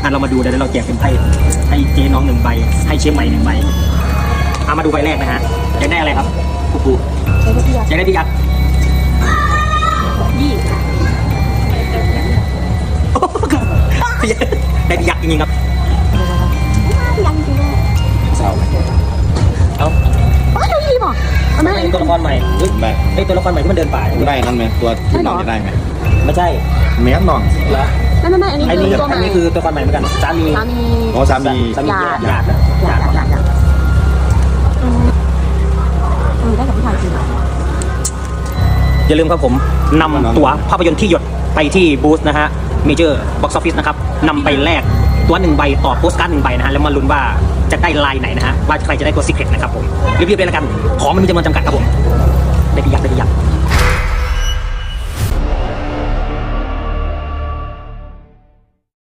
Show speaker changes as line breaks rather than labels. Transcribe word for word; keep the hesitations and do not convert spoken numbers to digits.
ะเรามาดูเดี๋ยวเราแจกเป็นไพ่ให้เจ๊น้องหนึ่งใบให้เชฟใหม่หนึ่งใบเอามาดูใบแรกนะฮะอยากได้อะไรครับปูปูอยากได้พี่ยักษ์
ยี่
ได้พี่ยักษ์จริงๆครับ
ยังจริงเลย
เศร้า
เอ้า
โอ้ยยี่บอกเอามา
ไอ้ตัวละครใหม่เฮ้ย
ได้
ไอ้ตัวละครใหม่ที่มันเดินป่า
ได้นั่นไหมตัวที่น้องจะได้ไหม
ไม่ใช่
เมียน้อง
เหรอ
ไม่ไม่ไม่อันนี้
ไอ้
คือ
นี่
ตัวใหม่
อันนี้คือตัวละครใหม่เหมือนกันสามี
สามี
อ๋อสามี
สามี
หยาด
หยาดนะ
อยากอยากอยากอืมอืมได้กับผู้ชายจริง
อย่าลืมครับผมนำตั๋วภาพยนตร์ที่หยดไปที่บูธนะฮะเมเจอร์บ็อกซ์ออฟฟิศนะครับนำไปแลกตัวหนึ่งใบต่อโปสการ์ดหนึ่งใบนะฮะแล้วมาลุ้นว่าจะได้ลายไหนนะฮะว่าใครจะได้ตัวซีเคร็ตนะครับผมรีบๆเลยละกันของมันมีจำนวนจำกัดครับผมได้พี่ยักษ์ได้พี่ยักษ์